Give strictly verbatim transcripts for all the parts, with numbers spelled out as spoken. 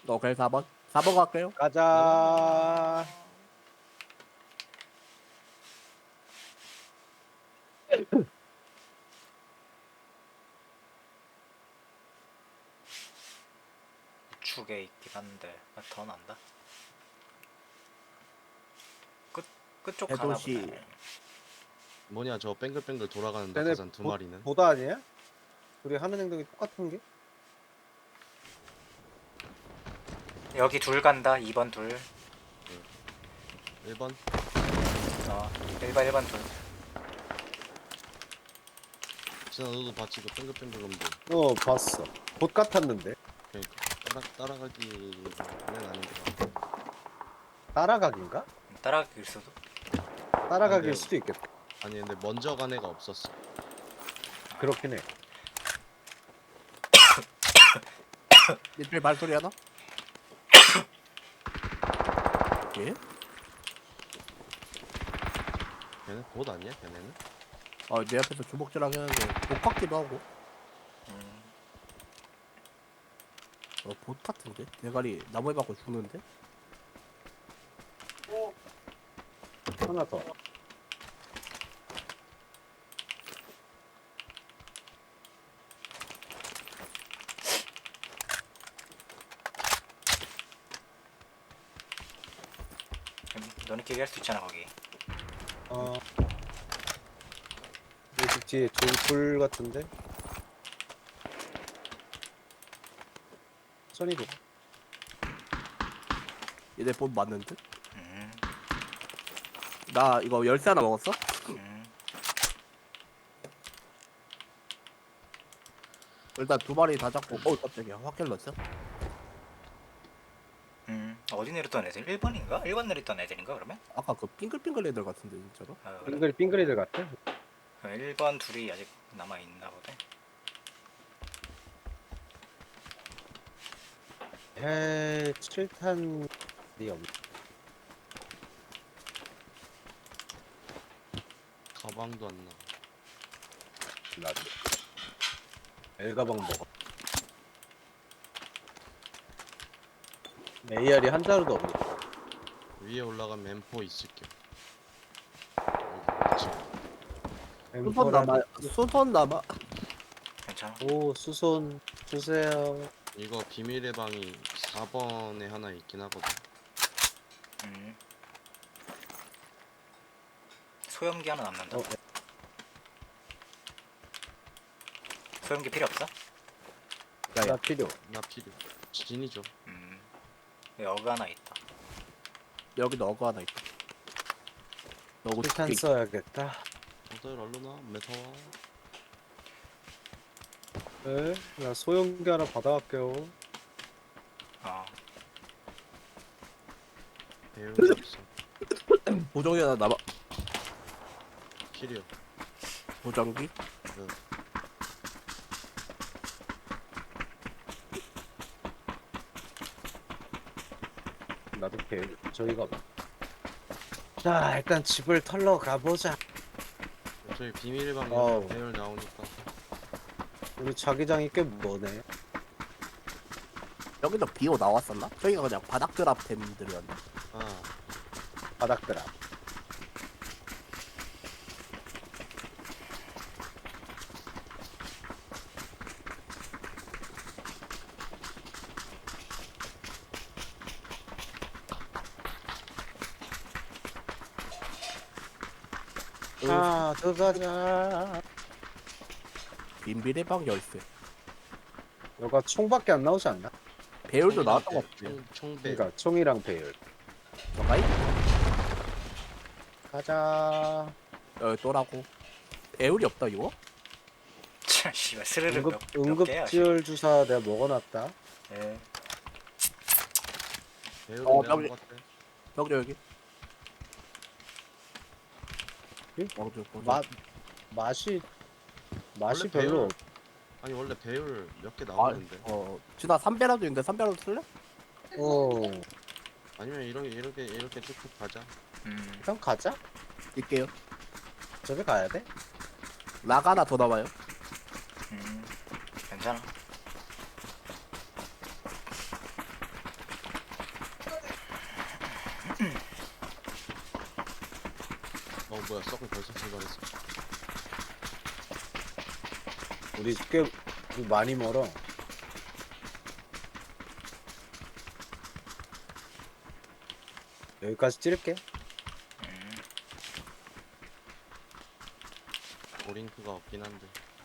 오케이 사 번 사 번 갈게요. 가자. 우측에 있긴 한데 아, 더 난다. 끝 끝쪽 가나 해도시. 보네. 뭐냐 저 뱅글뱅글 돌아가는 쟤네 낙하산 두 보- 마리는. 보다 아니야? 우리 하는 행동이 똑같은 게? 여기 둘 간다. 이 번 둘. 일 번 어, 일 번 일 번 둘. 진아 너도 봤지 그 뱅글뱅글 놈들. 어 봤어. 봇 같았는데 그러니까 따라, 따라가기는 아닌데. 따라가기인가? 따라갈 수도. 따라가기일 근데- 수도 있겠다. 아니 근데 먼저 간 애가 없었어. 그렇긴 해. 이쪽에 발소리 하나? 예? 걔네 봇 아니야 걔네는? 어, 내 앞에서 주먹질하긴 하는데 못 같기도 하고. 음, 어, 봇 같은데? 대가리 나무에 박고 죽는데? 하나 더. 너네끼리 할 수 있잖아 거기. 어. 여기 뒤에 돌, 돌 같은데? 선이도. 얘네 봇 맞는데? 음, 나 이거 열쇠 하나 먹었어? 음. 일단 두 마리 다 잡고 어 깜짝이야 확 킬렀어? 음, 어디 내렸던 애들? 일 번인가? 일 번 내렸던 애들인가 그러면? 아까 그 빙글빙글 애들 같은데 진짜로? 아, 그래? 빙그리 빙그리들 같아. 일 번 둘이 아직 남아 있나 보네. 에 칠 탄이 없네. 가방도 안 나. 나도. 엘가방 먹어. 에이알이 한 자루도 없네. 위에 올라가면 엠포 있을게. 여기 있지. 수선 남아 수선 남아 괜찮아? 오 수손 주세요. 이거 비밀의 방이 사 번에 하나 있긴 하거든. 음. 소염기 하나 남는다. 어, 소염기 필요 없어? 나 필요. 나 필요. 진이죠. 음. 여기 하나 있다. 여기도 어그 하나 있다. 너구 칠탄 두개 써야겠다. 다들 얼른 와. 메타와. 네, 나 소형기 하나 받아갈게요. 어. 배율이 없어. 보정기 하나 남아. 필요. 보정기? 그 나도 배 저기가 봐. 자 일단 집을 털러 가보자. 저기 비밀의 방에 어우. 배율 나오니까. 우리 자기장이 꽤 머네. 여기도 비오 나왔었나? 저기가 그냥 바닥 드랍템들이었나? 아 바닥들아. 아 들어가자. 빈비례 방 열쇠. 너가 총밖에 안 나오지 않나? 배율도 나왔던 거 같지? 총, 총배. 그러니까 총이랑 배율. 저가이? 가자. 여기 또라고. 배율이 없다 이거? 참, 씨발 스르르 응급 몇, 몇 개야? 응급지열 주사 내가 먹어놨다. 예. 배율은 어, 내가 여기. 먹었대. 여기 여기. 응? 어, 저, 저, 맛 맛이 맛이 원래 별로. 배율- 아니 원래 배율 몇 개 아, 나오는데. 어, 지나 삼배라도 있는데 삼배라도 쓸래? 어 아니면 이렇게 이렇게 이렇게 쭉쭉 가자. 음. 일단 가자. 있게요. 저기 가야 돼? 락 하나 더 남아요. 음. 괜찮아. 뭐야 서클 벌써 출발했어. 우리 꽤 우리 많이 멀어. 여기까지 찌를게. 음. 오링크가 없긴 한데.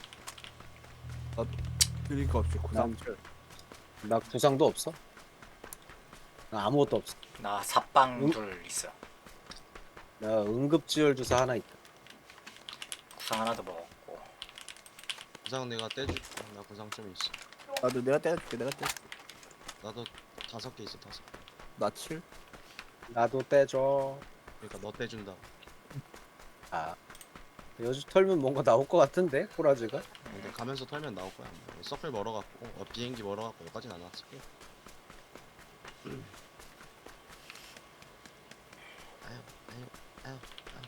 드릴 거 없이 구상. 난- 나 구상도 없어. 나 아무것도 없어. 나 삽방 음? 둘 있어. 나 응급지열 주사 하나 있다. 구상 하나도 먹었고. 구상 내가 떼줄게. 나 구상 좀 있어. 나도 내가 떼줄게. 내가 떼줄게. 나도 다섯 개 있어 다섯 개. 나 칠. 나도 떼줘. 그러니까 너 떼준다. 아 여주 털면 뭔가 나올 것 같은데 호라지가. 근데 가면서 털면 나올 거야. 뭐. 서클 멀어갖고 어, 비행기 멀어갖고 여기까진 안 왔을 거야. 아유 아유 아유 아유.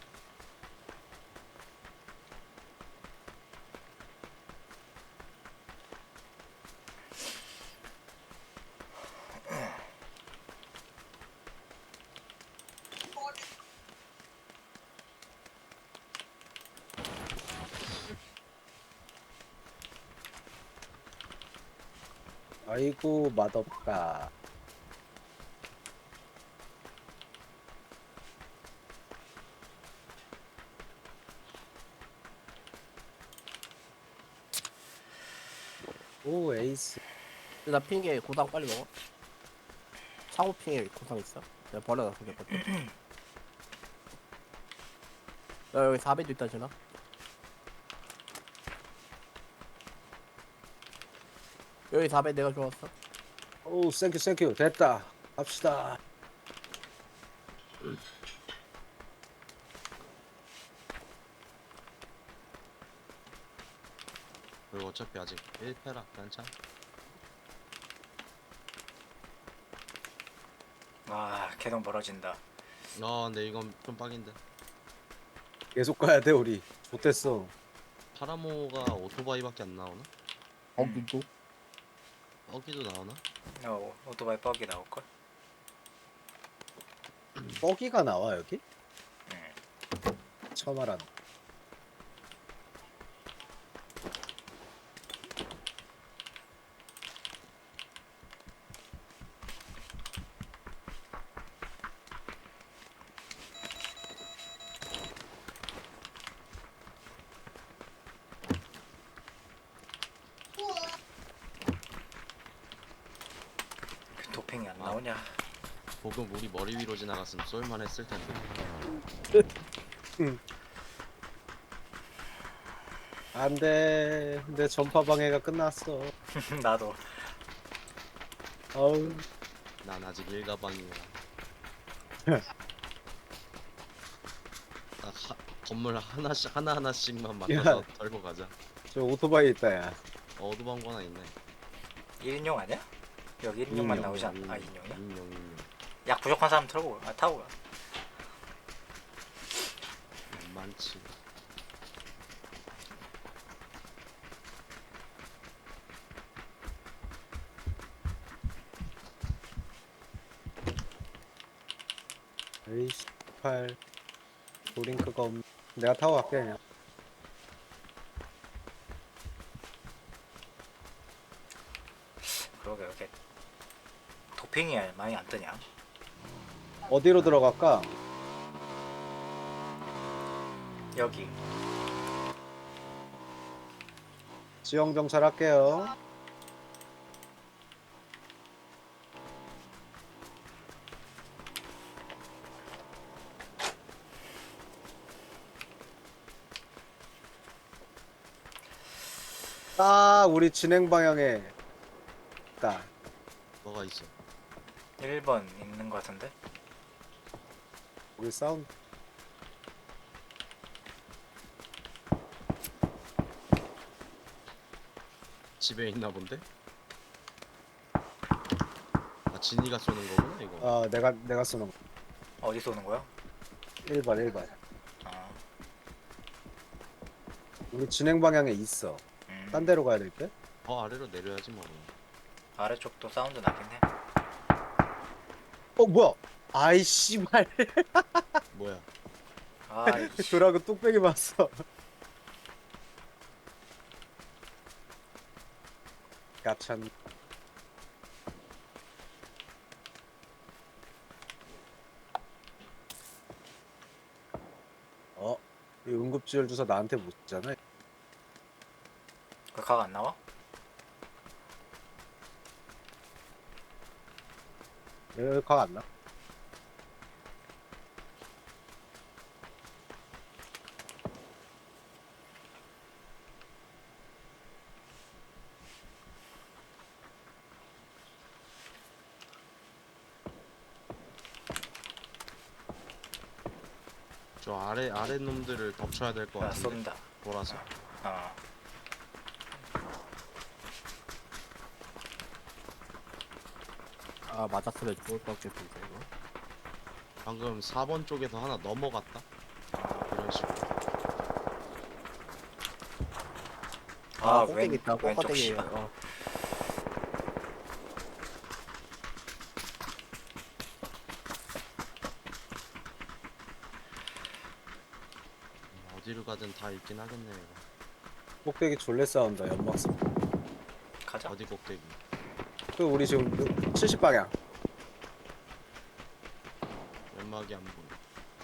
아이고 맛없다. 오 에이스. 나 핑계 고당 빨리 먹어. 차고 핑에 고당 있어. 내가 버려놨어. 몇 번. 야 여기 사 배도 있다 지나. 여기 사 배 내가 좋았어. 오 땡큐 땡큐 됐다. 갑시다. 그리고 어차피 아직 일 패라 괜찮. 와 계속 멀어진다. 아 근데 이건 좀 빡인데. 계속 가야 돼 우리. 못했어. 파라모가 오토바이밖에 안 나오나? 어 누구? 어기도 나오나? 어 오토바이 뻑이 나올 걸. 뻐기가 나와 여기? 응. 처음 알았네. 그 도핑이 안 아. 나오냐? 보금 우리 머리 위로 지나갔으면 쏠만했을 텐데. 안돼. 내 전파 방해가 끝났어. 나도. 어우. 난 아직 일가방이야. 아, 하, 건물 하나씩 하나 하나씩만 맡아서 야. 털고 가자. 저 오토바이 있다 야. 어, 어두방구 하나 있네. 일 인용 아니야? 여기 일 인용만 인용, 나오지 않? 인용, 아 이 인용이야? 인용 인용. 약 부족한 사람 털고 가. 아 타고 가. 많지. 에이씨 팔. 도링크가 없. 내가 타고 갈게 그냥. 그러게 이렇게 도핑이 많이 안 뜨냐? 어디로 들어갈까? 여기. 지형 정찰 할게요. 딱 우리 진행 방향에 딱. 뭐가 있어? 일 번 있는 거 같은데? 우리 사운드. 집에 있나 본데? 아 진이가 쏘는 거구나 이거. 어 내가 내가 쏘는 거. 어디서 오는 거야? 일 번 일 번. 아, 우리 진행 방향에 있어. 음. 딴 데로 가야 될 때? 더 아래로 내려야지 뭐. 아래쪽도 사운드 나긴 해. 어 뭐야? 아이 씨발. 뭐야? 아, 이 돌하고 뚝배기 봤어. 가찬. 어, 이 응급지열 주사 나한테 못 주잖아. 그각 안 나와? 여기 각안 나. 저 아래 아래 놈들을 덮쳐야 될 것 나 같은데. 쏜다. 돌아서. 어. 아 맞았으면 좋을 것 같겠는데 이거. 방금 사 번 쪽에서 하나 넘어갔다. 이런 식으로. 아, 아, 꼭대기 왼, 있다. 왼쪽 꼭대기. 씨발. 어. 어디로 가든 다 있긴 하겠네 이거. 꼭대기 졸래 싸운다. 연막 쏘. 가자. 어디 꼭대기. 그 우리 지금 칠십 방향. 연막이 안 보여.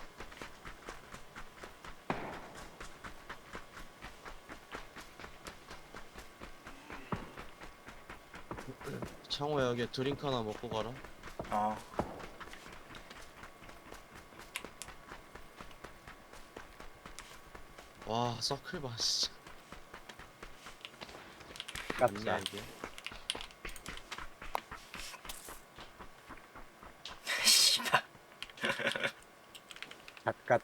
창호야 여기 드링크 하나 먹고 가라. 어. 와 서클 봐 진짜. 깝다. 맞냐 이게? 씨발. 갓갓.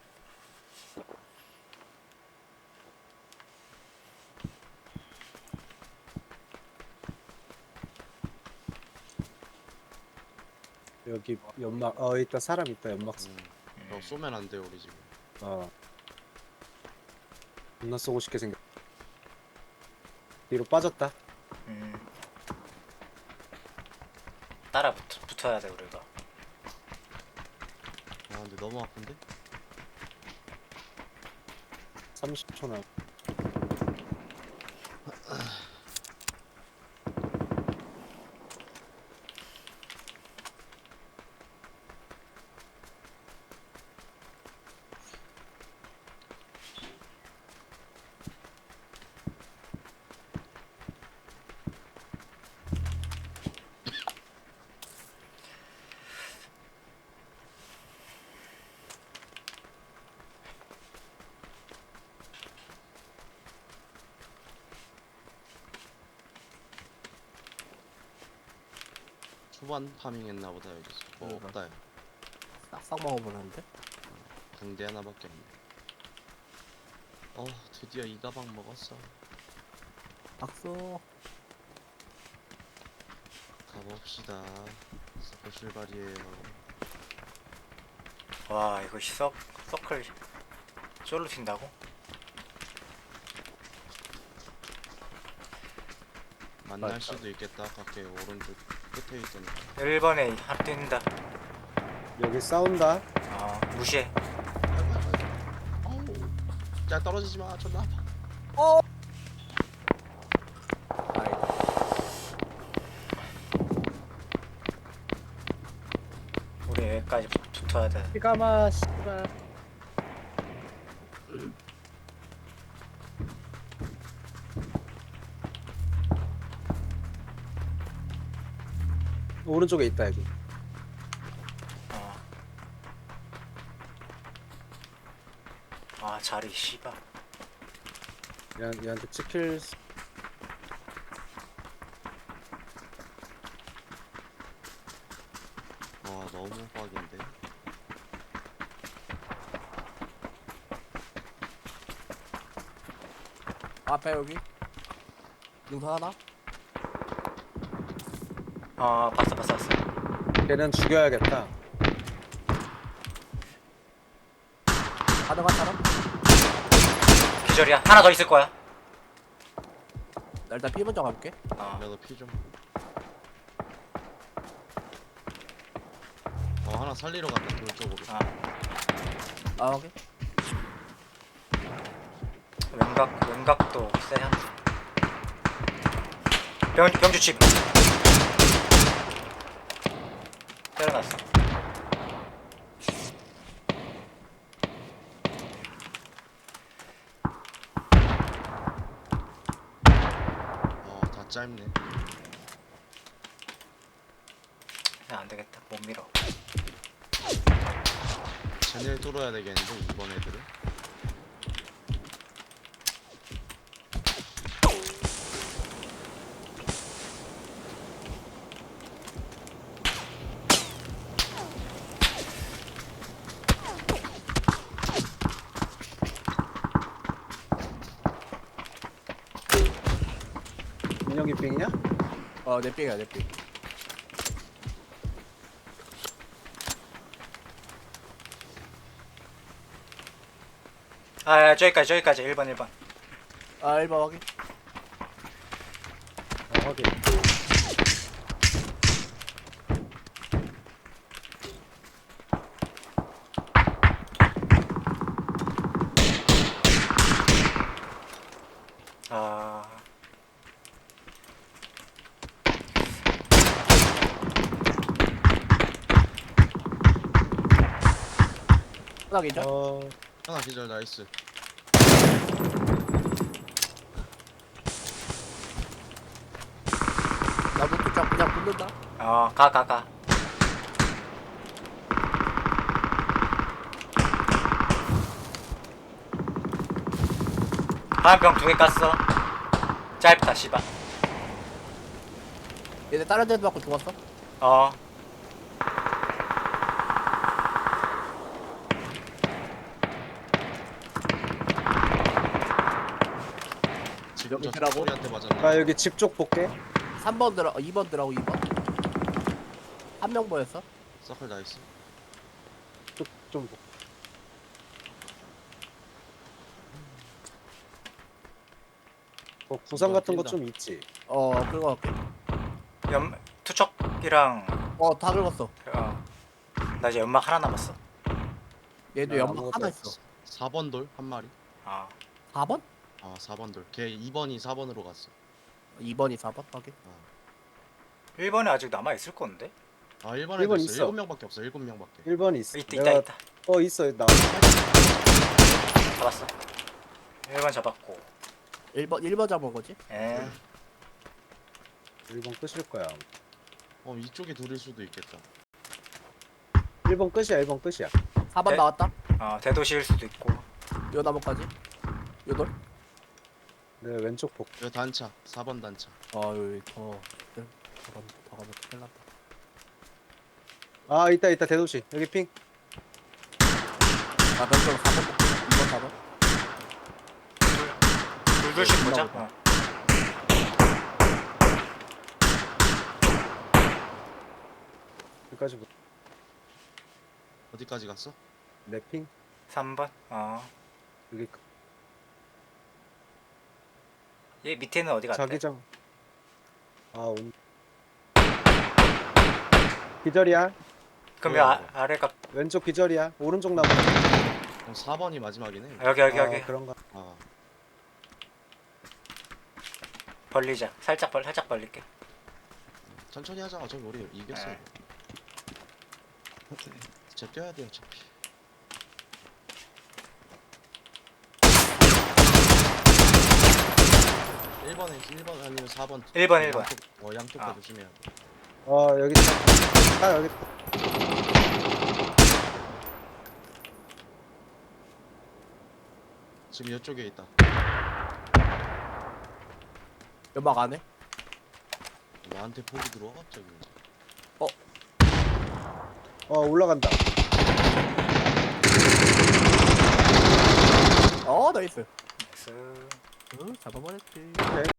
여기 연막. 어 있다. 사람 있다. 연막. 쏘. 음. 너 쏘면 안 돼 우리 지금. 어. 존나 쏘고 싶게 생겼. 뒤로 빠졌다. 음. 따라 붙, 붙어야 돼 우리가. 아 근데 너무 아픈데? 삼십 초 남. 초반 파밍했나 보다 여기서. 뭐 그러니까. 없다 야. 싹싹 먹어보는데. 붕대 하나밖에 없네. 어 드디어 이 가방 먹었어. 박수. 가봅시다. 서클 출발이에요. 와 이거 서, 서클 쫄로 튄다고? 만날 맞다. 수도 있겠다. 밖에 오른쪽 끝에 있던데. 일 번에 하나 뛴다. 여기 싸운다. 어 무시해. 어우. 야 떨어지지 마. 존나 아파. 아이. 우리 여기까지 붙- 붙어야 돼. 피가마 씨발. 오른쪽에 있다 여기. 어. 아 자리 씨발. 얘, 얘한테 찍힐. 수- 와 너무 빡인데. 앞에 여기. 능선 하나. 어 봤어 봤어 봤어. 걔는 죽여야겠다. 가능한 사람? 기절이야. 하나 더 있을 거야. 나 일단 피 먼저 가볼게. 어. 나도 피 좀. 어 하나 살리러 갔다 돌 쪽으로. 아. 아 오케이. 왼각 왼각도 세야. 병 병주 집. 때려놨어. 어다 짧네. 그냥 안 되겠다. 못 밀어. 쟤네를 뚫어야 되겠는데 이번 애들은. 민혁이 빙이냐? 어내 삥이야 내 삥. 아 저기까지 저기까지 일 번 일 번. 아 일 번 확인. 아, 확인. 아 하나 기절. 어, 하나 기절 나이스. 나도 그냥 그냥 붙는다. 어, 가, 가, 가. 화염병 두 개 깠어. 짧다, 씨발. 얘네 다른 데도 맞고 죽었어. 어, 지금 저 여기라고? 소리한테 맞았네. 나 여기 집 쪽 볼게. 삼 번 들어 어, 이 번 들어가고 이 번. 한 명 보였어. 서클 나이스. 쪽 좀 보. 어, 구상 뭐야, 같은 거 뛴다. 좀 있지. 어 긁어 갈게. 연, 투척이랑, 어다 긁었어. 어, 나 이제 연막 하나 남았어. 얘도 나 연막 아무것도 하나 없어. 있어. 사 번 돌 한 마리. 어, 사 번? 아 사 번 돌. 걔 이 번이 사 번으로 갔어. 이 번이 사 번 확인. 일 번에 아직 남아있을 건데? 아 일 번에 일 번 있어. 있어. 일곱 명밖에 없어. 일곱 명밖에. 일 번이 있어. 있다, 있다, 내가- 있다. 어, 있어. 나 잡았어. 일 번 잡았고. 일 번 일 번 잡은 거지? 에, 일 번 끝일 거야. 어 이쪽에 둘일 수도 있겠다. 일 번 끝이야. 일 번 끝이야. 사 번 네. 나왔다. 어, 대도시일 수도 있고. 요 나무까지. 요돌. 내 왼쪽 복. 이거 단차. 사 번 단차. 아 여기 더. 더 가면 더 가면 큰일 났다. 아, 있다 있다. 대도시. 여기 핑. 아 변경 사 번. 이 번 사 번. 둘둘씩 보자. 있나 보다. 어. 여기까지 보- 어디까지 갔어? 내 핑. 삼 번. 어. 여기 얘 밑에는 어디 갔대? 자기장. 아, 온. 기절이야. 그럼 여 아, 아래가 왼쪽 기절이야. 오른쪽 나무. 어, 사 번이 마지막이네. 아, 여기 여기 아, 여기 그런가. 아 벌리자. 살짝 벌 살짝 벌릴게. 천천히 하자. 어차피 우리 이겼어. 네. 진짜 뛰어야 돼 어차피. 일 번에 일 번 아니면 사 번. 일 번, 일 번. 양쪽, 어 양쪽 다 아. 조심해야 돼. 어, 여기 있다. 딱 여기 있다. 지금 이쪽에 있다. 연막 안 해? 나한테 폭이 들어와 갑자기. 어, 올라간다. 어 나이스. 나이스. 응 잡아버렸지. 오케이.